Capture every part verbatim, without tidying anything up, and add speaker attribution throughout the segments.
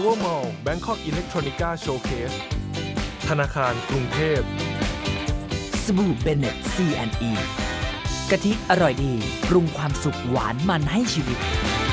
Speaker 1: Power Mall Bangkok Electronica Showcase ธนาคารกรุงเทพ
Speaker 2: สบู่เบเน็ต ซี แอนด์ อี กะทิอร่อยดีปรุงความสุขหวานมันให้ชีวิต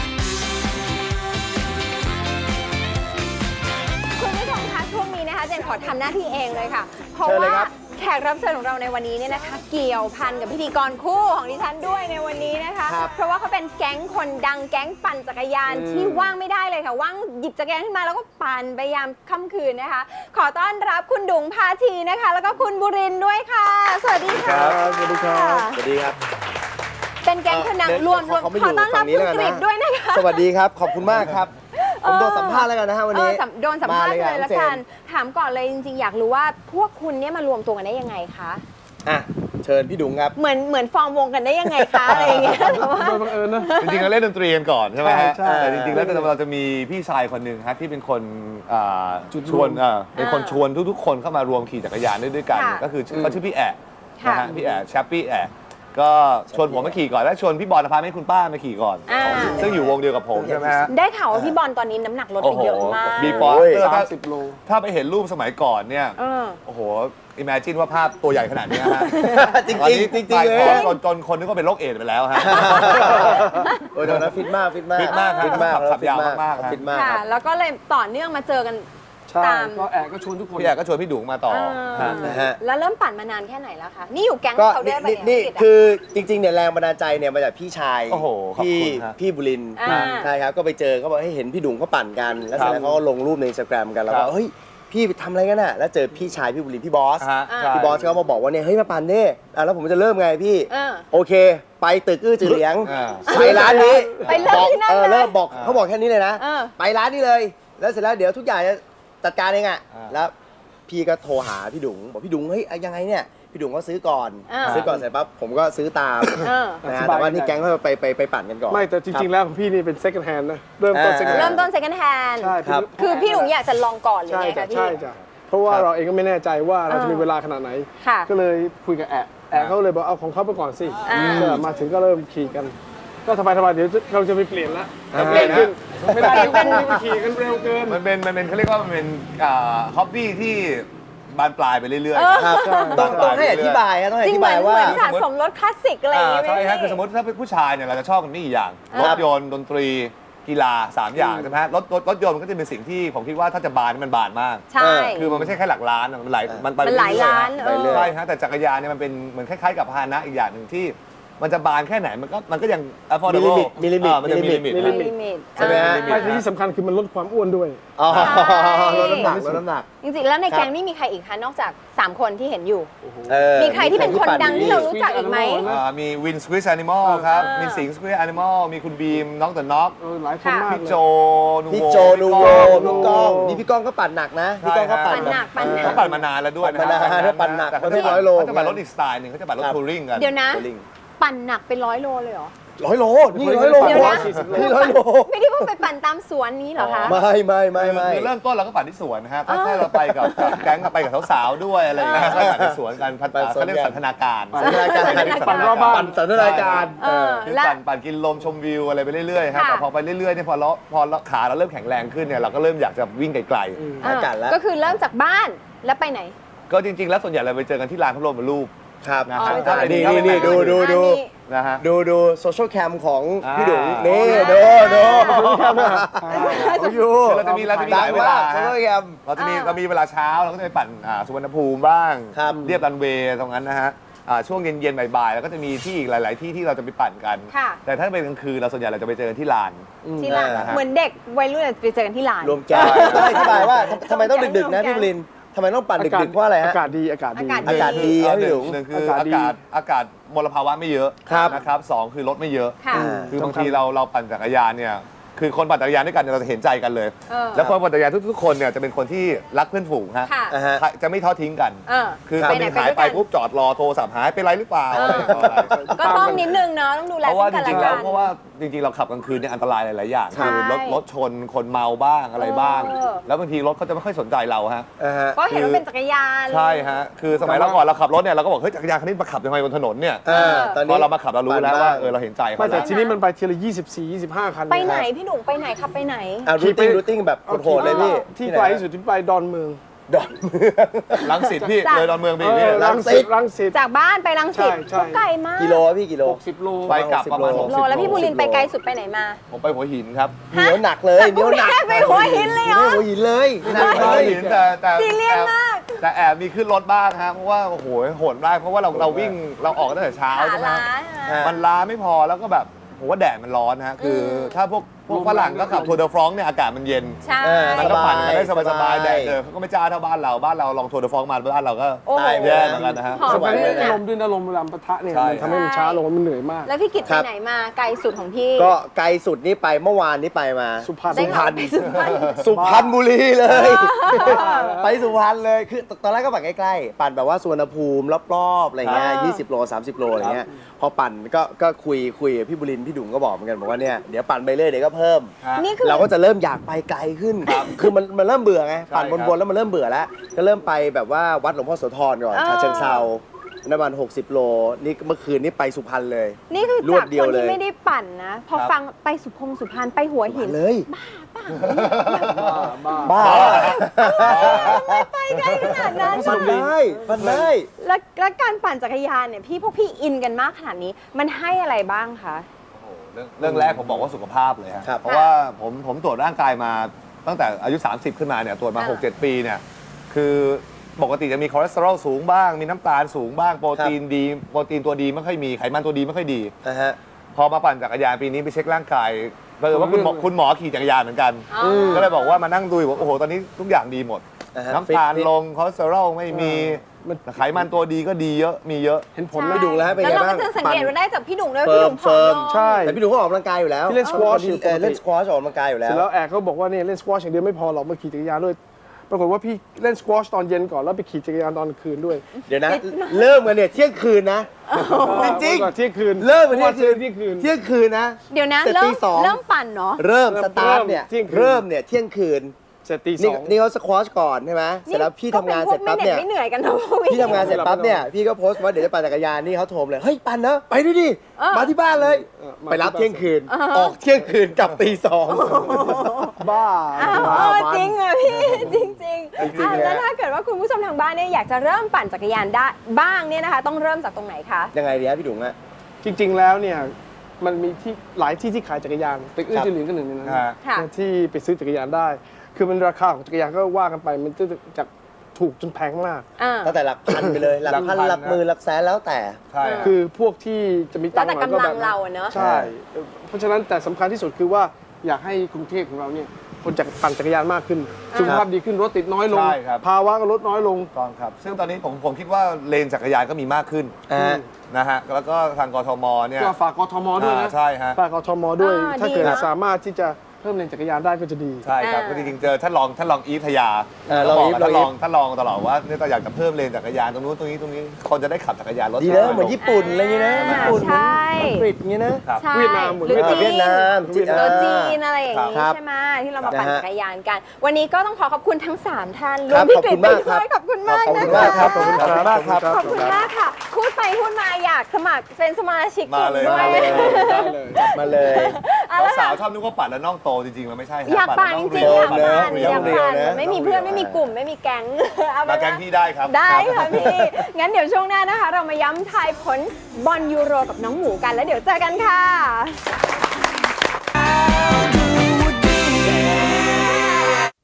Speaker 3: คุณผู้ชมคะช่วงนี้นะคะเจนขอทำหน้าที่เองเลยค่ะเพราะว่าแขกรับเชิญของเราในวันนี้เนี่ยนะคะเกี่ยวพันกับพิธีกรคู่ของดิฉันด้วยในวันนี้นะคะเพราะว่าเขาเป็นแก๊งคนดังแก๊งปั่นจักรยานที่ว่างไม่ได้เลยค่ะว่างหยิบจักรยานขึ้นมาแล้วก็ปั่นไปยามค่ำคืนนะคะขอต้อนรับคุณดุ๋งพาทีนะคะแล้วก็คุณบุรินทร์ด้วยค่ะสวัสดีค่ะ
Speaker 4: สวัสดีครับสวัสดีครับ
Speaker 3: เป็นแก๊งคนดังรวมรวมขอต้อนรับคุณกฤษด้วยนะคะ
Speaker 4: สวัสดีครับขอบคุณมากครับผมโดนสัมภาษณ์แล้วกันนะฮะวันนี้
Speaker 3: โดนสัมภาษณ์เลยแล้วกันถามก่อนเลยจริงๆอยากรู้ว่าพวกคุณเนี่ยมารวมตัวกันได้ยังไงคะ
Speaker 4: อ่ะเชิญพี่ดุ๋งครับ
Speaker 3: เหมือนเหมือนฟอร์มวงกันได้ยังไงคะอะไรอย่างเงี้ยแต่ว่า
Speaker 5: โดยบังเอิญนะ
Speaker 6: จริงๆเราเล่นดนตรีกันก่อนใช่ไหมฮะ
Speaker 5: ใช่
Speaker 6: แต่จริงๆแล้วเราจะมีพี่ชายคนหนึ่งฮะที่เป็นคนชวนเป็นคนชวนทุกๆคนเข้ามารวมขี่จักรยานด้วยกันก็คือเขาชื่อพี่แอะนะฮะพี่แอะแชปปี้แอะก็ชวนผมมาขี่ก่อนแล้วชวนพี่บอลพาให้คุณป้ามาขี่ก่อนซึ่งอยู่วงเดียวกับผมใช่ไหมฮะ
Speaker 3: ได้ข่าวว่าพี่บอลตอนนี้น้ำหนักลดไปเยอะมาก
Speaker 6: บีฟอร์
Speaker 5: สามสิบโล
Speaker 6: ถ้าไปเห็นรูปสมัยก่อนเนี่ยโอ้โหอิมเมจินว่าภาพตัวใหญ่ขนาดนี้ฮะ
Speaker 4: จริงจริงจริงเลย
Speaker 6: จนจนคนนึกว่าเป็นโรคเอดส์ไปแล้วฮะ
Speaker 4: โอ้ยตอนนั้นฟิตมากฟิตมาก
Speaker 6: ฟิตมาก
Speaker 4: ฟิตมาก
Speaker 6: ขับยาวมาก
Speaker 4: ฟิตมาก
Speaker 3: ค่ะแล้วก็เลยต่อเนื่องมาเจอกัน
Speaker 5: ตามก็แอบก็ชวนทุกคน
Speaker 6: พี่แอบก็ชวนพี่ดุ๋งมาต่อ
Speaker 3: แล้วเริ่มปั่นมานานแค่ไหนแล้วคะนี่อยู่แก๊งเขาด้วยป่ะ
Speaker 4: นี่คือจริงๆเนี่ยแรงบันดาลใจเนี่ยมาจากพี่ชายพี่พี่บุรินทร์ใช่ครับก็ไปเจอเขาบอกให้เห็นพี่ดุ๋งเขาปั่นกันแล้วเสร็จแล้วเขาก็ลงรูปใน Instagram กันแล้วก็เฮ้ยพี่ทำอะไรกันน่ะแล้วเจอพี่ชายพี่บุรินทร์พี่บอสพี่บอสเขามาบอกว่าเนี่ยเฮ้ยมาปั่นเน่แล้วผมจะเริ่มไงพี่โอเคไปตึกอื้อจือเหลียงไปร้านนี้
Speaker 3: ไปเริ่มที่นั่นเลย
Speaker 4: เริ่มบอกเขาบอกแค่นี้เลยนะไปร้านนี้เลยแล้วเสร็จแล้วเดี๋ยวทุกอย่างจะจัดการเองอ่ะแล้วพี่ก็โทรหาพี่ดุ๋งบอกพี่ดุ๋งเฮ้ยยังไงเนี่ยพี่ดุ๋งก็ซื้อก่อนซื้อก่อนเสร็จปั๊บผมก็ซื้อตามนะฮะแต่ว่านี่แก๊งเขาไปไปไปปั่นกันก่อน
Speaker 5: ไม่แต่จริงๆแล้วของพี่นี่เป็น second hand นะเริ่มต้น second hand
Speaker 3: เริ่มต้น second hand
Speaker 5: ใช่ครับ
Speaker 3: คือพี่ดุ๋งอยากจะลองก่อนเลยไงคะพี่
Speaker 5: ใช่จ้ะเพราะว่าเราเองก็ไม่แน่ใจว่าเราจะมีเวลาขนาดไหนก็เลยคุยกับแอะแอะเขาเลยบอกเอาของเขาไปก่อนสิมาถึงก็เริ่มขี่กันก็สบายสบายเดี๋ยวเราจะไปเปลี่ยนละ
Speaker 6: เปลี่ยนขึ้น
Speaker 5: ไม่ได้เป็นไปขี่กันเร็วเกิน
Speaker 6: มันเป็นมันเป็นเขาเรียกว่ามันเป็นฮ็อบบี้ที่บานปลายไปเรื่อย
Speaker 4: ๆครับต้องต้องให้อธิบายครับต้องอธิบายว่า
Speaker 3: เหมือนสะสมรถคลาสสิกอะไรอย่างเงี้ย
Speaker 6: ใช่ครับคือสมมติถ้าเป็นผู้ชายเนี่ยเราจะชอบกันนี่อย่างรถยนต์ดนตรีกีฬาสามอย่างใช่ไหมรถรถรถยนต์มันก็จะเป็นสิ่งที่ผมคิดว่าถ้าจะบานมันบานมาก
Speaker 3: ใช่
Speaker 6: คือมันไม่ใช่แค่หลักล้านมันหลายมันไป
Speaker 3: หลายล้าน
Speaker 6: ใช่ฮะแต่จักรยานเนี่ยมันเป็นเหมือนคล้ายๆกับพาหนะอีกอย่างหนึ่งที่มันจะบานแค่ไหนมันก็มันก็ยัง affordable
Speaker 4: มีลิมิต
Speaker 6: มันจะมีลิมิต
Speaker 4: ใช่ไหมฮะ
Speaker 5: ไม่ที่สำคัญคือมันลดความอ้วนด้วย
Speaker 4: อ๋อลดน้ำหนักลดน้ำหนัก
Speaker 3: จริงๆแล้วในแก๊งนี่มีใครอีกคะนอกจากสามคนที่เห็นอยู่มีใครที่เป็นคนดังที่เรารู้จักอีกไหม
Speaker 6: มีวินสควิสแอนิมอลครับมีสิงสควิสแอนิมอลมีคุณบีมน้องแต่น็อก
Speaker 5: หลายคนมาก
Speaker 6: พี่โจนูโว
Speaker 4: พี่โจนูโวพี่ก้องนี่พี่ก้องก็ปั่นหนักนะพี่ก้องก็ปั่น
Speaker 3: หนักปั่นหนัก
Speaker 6: เขาปั่นมานานแล้วด้วยนะ
Speaker 4: ปั่นนานเขาปั่นหนักเขาจะร้อยโล
Speaker 6: เขาจะปั่นรถอีกสไตล์หนึ่งเขาจะปั่นรถทัวริงกัน
Speaker 3: เดี๋ยวนะปั่นหนักเป็นร้อยโลเลยเหรอ
Speaker 4: ร้อยโลนี่ร้อยโลนี่ร้อยโล
Speaker 3: ไม่ได้เพิ่งไปปั่นตามสวนนี้เหรอคะ
Speaker 4: ไม่ไม่ไม่ไม่
Speaker 6: เริ่มต้นเราก็ปั่นที่สวนนะครับถ้าเราไปกับแก๊งไปกับสาวๆด้วยอะไรอย่างเงี้ยก็ปั่นที่สวนกันเขาเรียกสันทนาการ
Speaker 4: สันทนาการปั่นรอบบ้านสันทนาการ
Speaker 6: คือปั่นปั่นกินลมชมวิวอะไรไปเรื่อยๆครับแต่พอไปเรื่อยๆเนี่ยพอเราพอขาเราเริ่มแข็งแรงขึ้นเนี่ยเราก็เริ่มอยากจะวิ่งไกล
Speaker 4: ๆอากาศแล้ว
Speaker 3: ก็คือเริ่มจากบ้านแล้วไปไหน
Speaker 6: ก็จริงๆแล้วส่วนใหญ่เราไปเจอกันที่ลานพระบรมรูป
Speaker 4: ครับ
Speaker 6: นะครับ
Speaker 4: นี่นี่นี่ดูดูดู
Speaker 6: นะฮะ
Speaker 4: ดูดูโซเชียลแคมของพี่ดุ๋งนี่ดูดูดู
Speaker 6: เราจะมีเราจะมีหลายเวลา
Speaker 4: โซเชียลแคม
Speaker 6: เราจะมีเรามีเวลาเช้าเราก็จะไปปั่นสุวรรณภูมิบ้างเรียบรันเวย์ตรงนั้นนะฮะช่วงเย็นๆบ่ายๆแล้วก็จะมีที่อีกหลายๆที่ที่เราจะไปปั่นกันแต่ถ้าเป็นกลางคืนเราส่วนใหญ่เราจะไปเจอกันที่ลาน
Speaker 3: ที่ลานเหมือนเด็กวัยรุ่นไปเจอกันที่ลาน
Speaker 4: รวมแก๊งต้องอธิบายว่าทำไมต้องดึกๆนะพี่บุรินทร์ทำไมต้องปั่นดึกๆเพราะอะไรฮะ
Speaker 5: อากาศดีอากาศดี
Speaker 4: อากาศดี
Speaker 6: หนึ่งหนึ่งคืออากาศอากาศมลภาวะไม่เยอะนะครับสองคือรถไม่เยอะคือบางทีเราเราปั่นจักรยานเนี่ยคือคนปั่นจักรยานด้วยกันเราจะเห็นใจกันเลยแล้วคนปั่นจักรยานทุกๆคนเนี่ยจะเป็นคนที่รักเพื่อนฝูงฮะจะไม่ทอดทิ้งกันคือคนที่หายไปปุ๊บจอดรอโทรศัพท์หายเป็นไรหรือเปล่าอะไรอย่างเงี้ย
Speaker 3: ก็ต้องนิดนึงเนาะต้องดูแล
Speaker 6: เพราะว่าจริงๆแล้วเพราะว่าจริงๆเราขับกลางคืนเนี่ยอันตรายหลายๆอย่างคือรถรถชนคนเมาบ้างอะไรบ้างแล้วบางทีรถเขาจะไม่ค่อยสนใจเราฮะ
Speaker 3: เพราะเห็นว่าเป็นจักรยาน
Speaker 6: ใช่ฮะคือสมัยเราก่อนเราขับรถเนี่ยเราก็บอกเฮ้ยจักรยานคันนี้มาขับยังไงบนถนนเนี่ยพอเรามาขับเรารู้แล้วว่าเออเราเห็นใจเขา
Speaker 5: แต่ทีนี้มันไปทีละยี่สิบสี่ ยี่สิบห้าคัน
Speaker 3: ไปไหนพี่ดุงไปไหนขับไปไหน
Speaker 4: อ่ารูติ้งรูติ้งแบบโหดๆเลยพี่
Speaker 5: ที่ไกลที่สุดที่ไปดอนเมือง
Speaker 4: ดอนเมือง
Speaker 6: ลังสิตพี่
Speaker 3: จ้ะ
Speaker 6: เลยดอนเมืองไป
Speaker 5: เอ
Speaker 6: พี่
Speaker 5: อรังสิตรังสิต
Speaker 3: จากบ้านไปรังสิต
Speaker 5: ใช่ใช่
Speaker 3: ก็ไกลมาก
Speaker 4: กิโลอะพี่กิโล
Speaker 5: หกสิบโล
Speaker 6: ไปกลับประมาณ
Speaker 4: ห
Speaker 6: ห
Speaker 4: ก
Speaker 6: ก
Speaker 3: โล
Speaker 6: สิบ
Speaker 3: แล้วพี่บุรินทร์ไปไกลสุดไปไหนมา
Speaker 6: ผมไปหัวหินครับ
Speaker 4: เหนียวหนักเลย
Speaker 3: จาก
Speaker 4: เหนียวหนัก
Speaker 3: กรุงเทพไปหัวหินเลยเหรอ
Speaker 4: หัวหินเลยหนัก
Speaker 6: หั
Speaker 4: เล
Speaker 6: วย หินแต่แต่
Speaker 3: ซีเรียสมาก
Speaker 6: แต่แอบมีขึ้นรถบ้างฮะเพราะว่าโอ้โหโหดมากเพราะว่าเราเราวิ่งเราออกตั้งแต่เช้า
Speaker 3: ขา
Speaker 6: ใช่ไหม
Speaker 3: ล้า
Speaker 6: มันล้าไม่พอแล้วก็แบบผมว่าแดดมันร้อนนะฮะคืออ
Speaker 3: ม
Speaker 6: ถ้าพวกพวกฝรั่งก็ขับทัวร์เดอฟรองก์เนี่ยอากาศมันเย็น
Speaker 3: ใช่
Speaker 4: เออ
Speaker 6: มันก็ปั่นกันได้
Speaker 4: สบาย
Speaker 6: สบายๆแดด
Speaker 4: สบาย
Speaker 6: เออเขาก็ไม่จ้าเท่าบ้านเราบ้านเราลองทัวร์เดอฟรองก์มาบ้านเราก็
Speaker 3: โอ้โห
Speaker 4: ตายไป
Speaker 6: แย่เหมือนกันนะฮะ
Speaker 3: หอ
Speaker 5: ส
Speaker 3: ม
Speaker 5: มัย
Speaker 3: ขึ้
Speaker 5: นี้
Speaker 3: น
Speaker 5: ล
Speaker 3: อะ
Speaker 5: มด้วยนะลมเวลาปะทะเนี่ย
Speaker 6: ใช่
Speaker 5: มันทำให้มันช้าลงมันเหนื่อยมาก
Speaker 3: แล้วพี่กิต
Speaker 4: ค
Speaker 3: ไป
Speaker 4: รับ
Speaker 3: ไหนมาไกลสุดของพี่
Speaker 4: ก็ไกลสุดนี่ไปเมื่อวานนี่ไปมา
Speaker 5: สุพรรณ
Speaker 3: ได้ข่าวไปสุพรรณ
Speaker 4: สุพรรณบุรีเลย ไปสุพรรณเลยคือตอนแรกก็ปั่นใกล้ๆปั่นแบบว่าสุวรรณภูมิรอบๆอะไรเงี้ย
Speaker 3: อ่า
Speaker 4: ยี่สิบโลสามสิบโลอะไรเงี้ยพอปั่นก็ก็คุยคุยกับพี่บุรินทร์พี่ดุงก็บอกเหมือนกันบอกว่าเนี่ยเดี๋ยวปั่นไปเรื่อยเดี๋ยวก็เพิ่ม
Speaker 3: นี่คือ
Speaker 4: เราก็จะเริ่มอยากไปไกลขึ้น คือมันมันเริ่มเบื่อไง
Speaker 6: ใช่
Speaker 4: ปั่น
Speaker 6: ครับ
Speaker 4: บนๆแล้วมันเริ่มเบื่อแล้ว ก็เริ่มไปแบบว่าวัดหลวงพ่อโสธรก่อน
Speaker 3: อ่า
Speaker 4: ฉะเชิงเทราน้ำมันหกสิบโล นี่เมื่อคืนนี่ไปสุพรรณเลย
Speaker 3: นี่คือ
Speaker 4: รว
Speaker 3: จา
Speaker 4: ด
Speaker 3: ก
Speaker 4: เดี
Speaker 3: ค
Speaker 4: ยวน เลย
Speaker 3: ที่ไม่ได้ปั่นนะ พอ
Speaker 6: ครับ
Speaker 3: ฟังไปสุพงสุพรรณไปหัวหิน
Speaker 4: เลย
Speaker 5: บ้า
Speaker 4: บ้า
Speaker 3: ไปไกลขนาดนั้น
Speaker 4: ปั่นได้ปั่นได้
Speaker 3: แล้วแล้วการปั่นจักรยานเนี่ยพี่พวกพี่อินกันมากขนาดนี้ มันให้อะไรบ้างคะ
Speaker 6: โอ้โหเรื่องเรื่องแรกผมบอกว่าสุขภาพเลยฮะ
Speaker 4: ครับ
Speaker 6: เพราะว่าผมผมตรวจร่างกายมาตั้งแต่อายุ สามสิบ ขึ้นมาเนี่ยตรวจมา
Speaker 3: อ่า
Speaker 6: หกเจ็ด ปีเนี่ยคือปกติจะมีคอเลสเตอรอลสูงบ้าง มีน้ำตาลสูงบ้างโปรตีนดีโปรตีนตัวดีไม่ค่อยมีไขมันตัวดีไม่ค่อยดี
Speaker 4: นะฮะ
Speaker 6: พอมาปั่นจักรยานปีนี้ไปเช็คร่างกายเผอิญว่าคุณหมอคุณหมอขี่จักรยานเหมือนกัน
Speaker 3: อ๋อ
Speaker 6: ก็เลยบอกว่ามานั่งดูว่าโอ้โหตอนนี้ทุกอย่างดีหมด
Speaker 4: อ่าฮะ
Speaker 6: น้ำตาล
Speaker 4: ฟิต
Speaker 6: ลงคอเลสเตอรอลไม่มี
Speaker 5: มัน
Speaker 6: ไขมันตัวดีก็ดีเยอะมีเยอะ
Speaker 5: เห็นผล
Speaker 3: ใช่
Speaker 5: ไหม
Speaker 4: พี่ดุงแล้วฮะเป็น
Speaker 3: แล้ว
Speaker 4: ไง
Speaker 3: เรา
Speaker 4: บ้า
Speaker 3: ก็
Speaker 4: ง
Speaker 3: จะสังเกตว่าได้จากพี่ดุงด้วย
Speaker 4: เฟิ
Speaker 3: พี่
Speaker 4: ร์
Speaker 3: ดุ
Speaker 4: ม
Speaker 3: งผอม
Speaker 4: เฟิร์ม
Speaker 3: ลง
Speaker 5: ใช่
Speaker 4: แต่พี่ดุงก็ออกกำลังกายอยู่แล้ว
Speaker 5: พี่เล่น squash อยู่
Speaker 4: เออ
Speaker 5: ปกติ
Speaker 4: เล่นสควอชออกกำลังกายอยู่แล้
Speaker 5: เสร็
Speaker 4: ว
Speaker 5: จแล้วแอร์เขาบอกว่าเนี่ยเล่นสควอชอย่างเดียวไม่พอหรอกมาขี่จักรยานด้วย ปรากฏว่าพี่เล่นสควอชตอนเย็นก่อนแล้วไปขี่จักรยานตอนกลางคืนด้วย
Speaker 4: เดี๋ยวนะ เริ่มกันเนี่ยเที่ยงคืนนะ จริง
Speaker 5: เมื่อก่อนเที่ยงคืน
Speaker 4: เริ่มกันเที่ยงคืน
Speaker 5: เที่ยงคืน
Speaker 4: เที่ยงคืนนะ
Speaker 3: เดี๋ยวนะ
Speaker 4: เสร็จ
Speaker 3: เริ่
Speaker 4: ตี
Speaker 3: ม
Speaker 4: สอง
Speaker 3: เริ่มปั่นเนาะ
Speaker 4: เริ่ม
Speaker 5: เริ่ม
Speaker 4: สตาร์ทเนี่ย
Speaker 5: เที่ยงคืน
Speaker 4: เริ่มเนี่ยเที่ยงคืน
Speaker 5: เสร็จตีส
Speaker 4: นี่
Speaker 5: อง
Speaker 4: นี่เขาสควอชก่อนใช่ไหมเสร็จแล้วพี่ทำงานเสร็จปั๊บเนี่ย
Speaker 3: ไม่เหนื่อยกันเนาะพวก
Speaker 4: พี่ทำงานเสร็จปั๊บเนี่ยพี่ก็โพสต์ว่าเดี๋ยวจะปั่นจักรยานนี่เขาโทรมาเลยเฮ้ยปั่นนะไปด้วยดิ
Speaker 3: เออ
Speaker 4: มาที่บ้านเลย
Speaker 5: เออมา
Speaker 4: ไปรับ
Speaker 5: ที่บ้าน
Speaker 4: เที่ยงคืน ออกเที่ยงคืนกลับตีสอง
Speaker 5: บ้า
Speaker 3: อ้าว
Speaker 5: บ้า
Speaker 3: เออ
Speaker 5: มัน
Speaker 3: จริงเหรอพี่ จริงจริงๆ
Speaker 4: จริงๆ
Speaker 3: อ่ะ
Speaker 4: เลย
Speaker 3: แล้วถ้าเกิดว่าคุณผู้ชมทางบ้านเนี่ยอยากจะเริ่มปั่นจักรยานได้บ้างเนี่ยนะคะ ต้องเริ่มจากตรงไหนคะ
Speaker 4: ยังไงดีฮะพี่ดุงฮะ
Speaker 5: จริง ๆ แล้วเนี่ยมันมีที่หลายที่ที่ขายจักรยานตึกอื้อ
Speaker 4: ครับ
Speaker 5: จือหลินก็หนึ่งในนั้น
Speaker 6: ฮะ
Speaker 3: ค่ะ
Speaker 5: ที่ไปซื้อจักรยานได้ คือมันราคาของจักรยานก็ว่ากันไปมันจะจากถูกจนแพงมาก
Speaker 3: อ่า
Speaker 4: ตั้งแต่หลักพันไปเลยหลักพัน
Speaker 6: หลักพัน
Speaker 4: หลักหมื่นหลักแสนแล้วแต่
Speaker 6: ใช่
Speaker 5: คือพวกที่จะมีตังค์หน่อยก็
Speaker 3: แล้วแต่กำลั
Speaker 5: แบบ
Speaker 3: งเราอะเนอะ
Speaker 5: ใช่ เพราะฉะนั้นแต่สำคัญที่สุดคือว่าอยากให้กรุงเทพของเราเนี่ยคนจักรปั่นจักรยานมากขึ้น สุขภาพดีขึ้นรถติดน้อยลง
Speaker 6: ใช่ครับ
Speaker 5: ภาวะก็ลดน้อยลง
Speaker 6: ต้องครับ ซึ่งตอนนี้ผมผมคิดว่าเลนจักรยานก็มีมากขึ้น
Speaker 4: อ่า
Speaker 6: นะฮะ แล้วก็ทางกทมเนี่ย
Speaker 5: ก็ฝากกทมด้วยนะ
Speaker 6: อ่าใช่ฮะ
Speaker 5: ฝากกทมด้วย
Speaker 3: อ่า
Speaker 5: ถ้าเกิด
Speaker 3: ดีนะ
Speaker 5: สามารถที่จะเพิ่มเลนจักรยานได้ก็จะดี
Speaker 6: ใช่ครับ
Speaker 3: อ่า
Speaker 6: ก็จริงๆเจอท่านรองท่านรองอีฟทยา
Speaker 4: เออ
Speaker 6: ก็บอก
Speaker 4: รองอีฟ
Speaker 6: กับท่าน
Speaker 4: ร
Speaker 6: ร
Speaker 4: อ
Speaker 6: อง ง
Speaker 4: อีฟ
Speaker 6: ท่านรองตลอดว่าเนี่ยเราอยากจะเพิ่มเลนจักรยานตรงนู้นตรงนี้ตรงนี้คนจะได้ขับจักรยานรถ
Speaker 4: ดีนะเหมือนญี่ปุ่นอะไรอย่างเงี้ยนะญี่ปุ่น
Speaker 3: ใช่
Speaker 4: อังกฤษอย่างเงี้ยนะ
Speaker 6: ครับ
Speaker 3: ใช่
Speaker 5: เวียดนามเหมือน
Speaker 3: หรือ
Speaker 4: เวียดนาม
Speaker 3: จีน
Speaker 4: เวียดนาม
Speaker 3: เออจีนอะไรอย่างนี้
Speaker 4: ครับ
Speaker 3: ใช่ไหมที่เรามาปั่น
Speaker 4: นะฮะ
Speaker 3: จักรยานกัน วันนี้ก็ต้องขอขอบคุณทั้งสามท่านร
Speaker 4: คว รั
Speaker 3: ม
Speaker 4: บ
Speaker 3: พี่
Speaker 4: ขอบ
Speaker 3: กฤ
Speaker 4: คุ
Speaker 3: ษ
Speaker 4: ณ
Speaker 3: ไป
Speaker 4: มาก
Speaker 3: ด้วย
Speaker 4: ครับ
Speaker 3: ขอบคุณมาก
Speaker 4: ขอบ
Speaker 3: นะ
Speaker 4: คุณ
Speaker 3: คะ
Speaker 4: มากครับขอบคุณมากครับ
Speaker 3: ขอบคุณมากค่ะ พูดไปพูดมาอยากสมัครเป็นสมาชิกกลุ่ม
Speaker 6: มาเลย
Speaker 3: ด้วย
Speaker 6: มาเลย
Speaker 5: ได้เลย
Speaker 4: มาเลย
Speaker 3: เอาละ
Speaker 6: สา
Speaker 3: ค่ะ
Speaker 6: วๆชอบนึกว่าปั่นแล้วน่องโตจริงๆมันไม่ใช่ฮะ
Speaker 3: อยากปั่นจริงๆอยาก
Speaker 4: เนอะ
Speaker 3: ปั่น
Speaker 4: เรี
Speaker 3: อ
Speaker 4: ยว
Speaker 3: ยาก
Speaker 4: เรียว
Speaker 3: ปั่น
Speaker 4: นะ
Speaker 3: ไม่มีเพื่อนไม่มีกลุ่มไม่มีแก๊งเอาเป็
Speaker 6: มาน แก
Speaker 3: ว่า
Speaker 6: งพี่ได้ครับ
Speaker 3: ได้ค่ะพี่ งั้นเดี๋ยวช่วงหน้านะคะ เรามาย้ำทายผลบอลยูโรกับน้องหมูกันแล้วเดี๋ยวเจอกันค่ะ